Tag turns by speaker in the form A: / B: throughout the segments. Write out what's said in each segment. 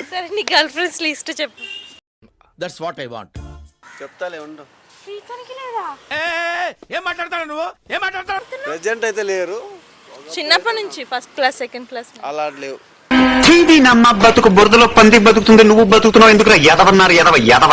A: సరే నీ girlfriends list చెప్పు.
B: That's what I want.
C: చెప్తాలే ఉండు.
A: శ్రీకానికి లేదా?
B: ఏం మాట్లాడతాడు నువ్వు? ఏం మాట్లాడతాడు?
C: ప్రెజెంట్ అయితే లేరు.
A: చిన్నప్పటి నుంచి ఫస్ట్ క్లాస్ సెకండ్ క్లాస్
C: అలా లేవు.
D: నమ్మ బతుకు బురదలో పంది బతుకుతుంది, నువ్వు బతుకుతున్నావు ఎందుకు? ఎదవన్నారు ఎదవ.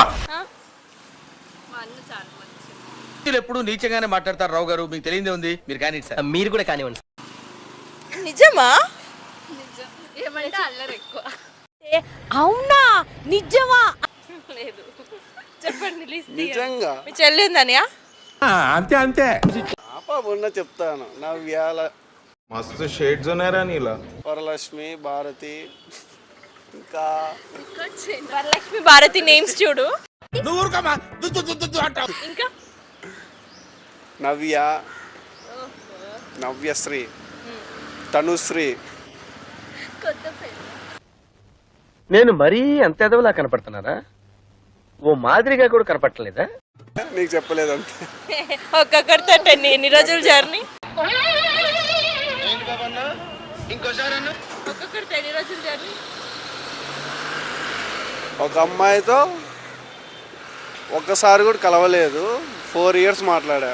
B: ఎప్పుడు నీచంగానే మాట్లాడతారు రావు గారు, మీకు తెలియదే ఉంది. మీరు కానీ సార్.
E: మీరు కూడా కానివ్వండి.
A: నిజమా?
F: ఏమంటే అల్లరి ఎక్కువ.
A: అవునా? నిజమా? లేదు. చెప్పండి లిస్ట్.
C: నిజంగా
A: మీ చెల్లి ఉందనియా?
B: అంతే అంతే.
C: పాప ఉన్న చెప్తాను. నవ్యాల,
G: मस्त शेड्स ఉన్నారా నీలా?
C: వరలక్ష్మి, భారతి, ఇంకా
A: వరలక్ష్మి భారతి నేమ్స్ చూడు.
B: నువ్వు ఊరుకోమా. అంటావు.
A: ఇంకా
C: నవ్య, నవ్యశ్రీ, తనుశ్రీ.
E: నేను మరీ అంత ఎదవలా కనపడుతున్నారా? ఓ మాదిరిగా కూడా కనపడలేదా?
C: నీకు చెప్పలేదంతే.
A: ఒక్కొక్కరితో ఎన్ని రోజుల జర్నీ? ఒక్కొక్కరితో ఎన్ని రోజుల జర్నీ?
C: ఒక అమ్మాయితో ఒక్కసారి కూడా కలవలేదు. 4 years మాట్లాడా.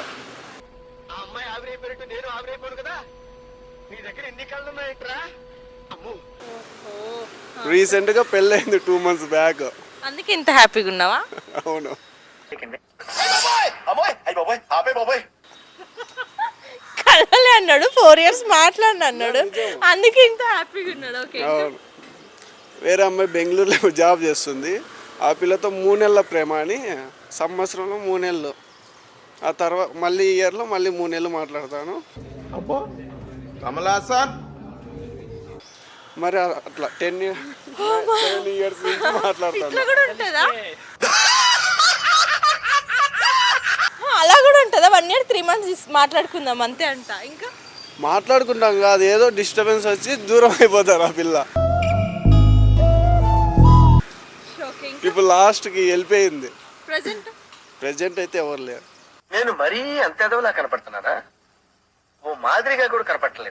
C: రీసెంట్ గా పెళ్ళైంది 2 months బ్యాక్.
A: అందుకే ఇంత హ్యాపీగా ఉన్నావా?
C: అవును.
A: కలవలే అన్నాడు, 4 years మాట్లాడిన అన్నాడు, అందుకే ఇంత హ్యాపీగా ఉన్నాడు. ఓకే.
C: అవును. వేరే అమ్మాయి బెంగళూరులో జాబ్ చేస్తుంది. ఆ పిల్లతో 3 నెలల ప్రేమ అని, సంవత్సరంలో 3 నెలలు. ఆ తర్వాత మళ్ళీ ఈ ఇయర్లో మళ్ళీ 3 నెలలు మాట్లాడతాను.
G: అబ్బో కమలాసన్.
C: మరి అట్లా 10 years నుంచి మాట్లాడతాను.
A: ఇట్లా కూడా ఉంటుందా? అలా కూడా ఉంటుందా? 1 year 3 months మాట్లాడుకుందాం అంతే అంట. ఇంకా
C: మాట్లాడుకుంటాం కాదు, ఏదో డిస్టర్బెన్స్ వచ్చి దూరం అయిపోతారు ఆ పిల్ల. ఇప్పుడు లాస్ట్కి వెళ్ళిపోయింది. ప్రెజెంట్ అయితే ఎవరు లేరు.
E: నేను మరీ అంత ఎదవలా కనపడుతున్నారా? ఓ మాదిరిగా కూడా కనపడలేదు.